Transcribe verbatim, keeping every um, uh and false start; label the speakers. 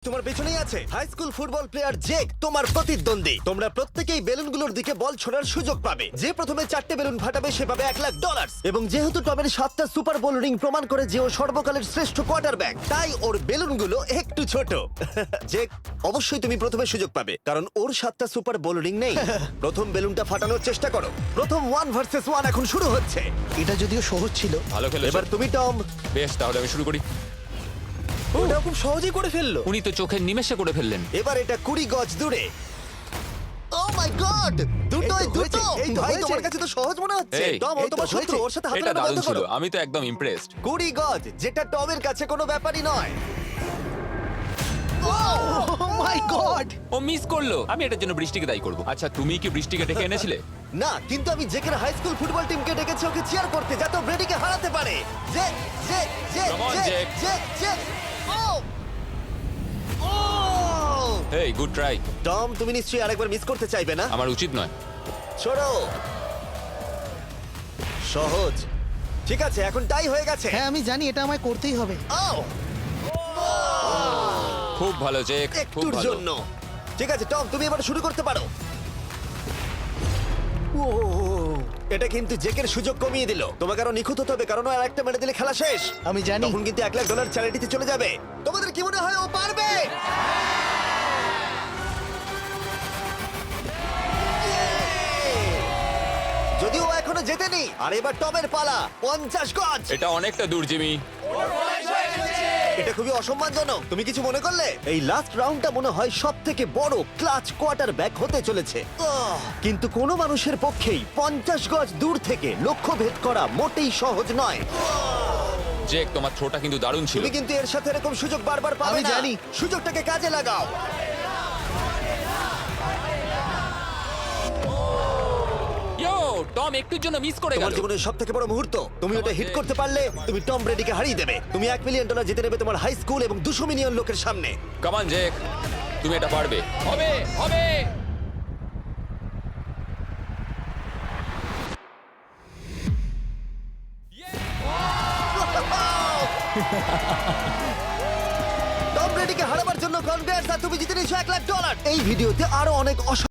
Speaker 1: তোমার পেছনেই আছে high school football player Jake, তোমার প্রতিদ্বন্দ্বী। তোমরা প্রত্যেকেই বেলুনগুলোর দিকে বল ছোড়ার সুযোগ পাবে। যে প্রথমে চারটে বেলুন ফাটাবে সে পাবে এক লাখ ডলার। এবং যেহেতু টমের সাতটা সুপার বোল রিং প্রমাণ করে যে ও সর্বকালের শ্রেষ্ঠ কোয়ার্টারব্যাক, তাই ওর বেলুনগুলো একটু ছোট। জেক, অবশ্যই তুমি প্রথমে সুযোগ পাবে কারণ ওর সাতটা সুপার বোল রিং নেই। প্রথম বেলুনটা ফাটানোর চেষ্টা করো। প্রথম ওয়ান ভার্সেস ওয়ান এখন শুরু হচ্ছে।
Speaker 2: এটা যদিও সহজ ছিল।
Speaker 3: ভালো খেলেছো।
Speaker 1: এবার তুমি টম।
Speaker 3: বেশ, তাহলে আমি শুরু করি।
Speaker 1: ওটা খুব সহজেই করে ফেললো।
Speaker 3: উনি তো চোখের নিমেষে করে ফেললেন।
Speaker 1: এবার এটা কুড়ি গজ দূরে। ও মাই গড, দুটোই
Speaker 2: এই তো
Speaker 1: দুটো।
Speaker 2: হয়েছে, এই তো
Speaker 1: ভাই,
Speaker 2: হয়েছে।
Speaker 1: তোমার কাছে তো সহজ মনে হচ্ছে।
Speaker 3: এই,
Speaker 1: টম, ও
Speaker 2: এই তো
Speaker 1: তোমার শত্রু,
Speaker 2: হয়েছে।
Speaker 1: ওর সাথে হাত
Speaker 3: এটা
Speaker 1: মেলানো
Speaker 3: দারুণ
Speaker 1: বন্ধ
Speaker 3: ছিল,
Speaker 1: করো।
Speaker 3: আমি তো একদম ইমপ্রেসড।
Speaker 1: কুড়ি গজ, যেটা টমের কাছে কোনো ব্যাপারই নয়।
Speaker 2: ও মাই গড!
Speaker 3: ও মিস করলো। আমি এটার জন্য বৃষ্টিকে দায়ী করব। আচ্ছা, তুমি কি বৃষ্টিকে ডেকে এনেছিলে?
Speaker 1: না, কিন্তু আমি জেকের হাই স্কুল ফুটবল টিমকে ডেকেছি ওকে চিয়ার করতে, যাতে ও ব্রেডিকে হারাতে পারে। যে যে যে
Speaker 3: Come on,
Speaker 1: যে
Speaker 3: Jake.
Speaker 1: যে যে ও ও
Speaker 3: হেই, গুড ট্রাই।
Speaker 1: টম, তুমি নিশ্চয়ই আরেকবার মিস করতে চাইবে না?
Speaker 3: আমার উচিত নয়।
Speaker 1: ছোড়ো। সহজ। ঠিক আছে, এখন টাই হয়ে গেছে।
Speaker 2: হ্যাঁ, আমি জানি এটা আমায় করতেই হবে।
Speaker 1: ও
Speaker 3: খুব ভালো জেক, খুব
Speaker 1: একটুর
Speaker 3: ভালো।
Speaker 1: জন্য। ঠিক আছে টম, তুমি এবার শুরু করতে পারো। ও, এটা কিন্তু জেকের সুযোগ কমিয়ে দিল। তোমাকে আরো নিখুঁত হতে হবে কারণ ও আর একটা মেরে দিলে খেলা শেষ।
Speaker 2: আমি জানি।
Speaker 1: তখন কিন্তু এক লাখ ডলার চ্যারিটিতে চলে যাবে। তোমাদের কি মনে হয় ও পারবে? যদিও ও এখনো জেতেনি। আর এবার টমের পালা। পঞ্চাশ গজ।
Speaker 3: এটা অনেকটা দূর, জিমি।
Speaker 1: এটা খুবই অসম্মানজনক। তুমি কিছু মনে করলে? এই লাস্ট রাউন্ডটা মনে হয় সব থেকে বড় ক্লাচ কোয়ার্টার ব্যাক হতে চলেছে। আহ! কিন্তু কোনো মানুষের পক্ষেই পঞ্চাশ গজ দূর থেকে লক্ষ্য ভেদ করা মোটেই সহজ নয়।
Speaker 3: জেক, তোমার থ্রোটা কিন্তু দারুণ ছিল।
Speaker 1: তুমি কিন্তু এর সাথে এরকম সুযোগ বারবার পাবে
Speaker 2: আমি
Speaker 1: না।
Speaker 2: জানি।
Speaker 1: সুযোগটাকে কাজে লাগাও।
Speaker 3: ইয়ো, টম একটুর জন্য মিস করে গেল।
Speaker 1: তোমার জীবনের সব থেকে বড় মুহূর্ত। তুমি ওটা হিট করতে পারলে তুমি টম ব্রেডিকে হারিয়ে দেবে। তুমি এক মিলিয়ন ডলার জিতে নেবে তোমার হাই স্কুল এবং দুশো মিলিয়ন লোকের সামনে।
Speaker 3: কাম অন জেক, তুমি এটা পারবে। হবে, হবে।
Speaker 1: টম ব্রেডিকে হারাবার জন্য কনগ্রেটস, আর তুমি জিতে নিয়েছো এক লাখ ডলার। এই ভিডিওতে আরো অনেক অস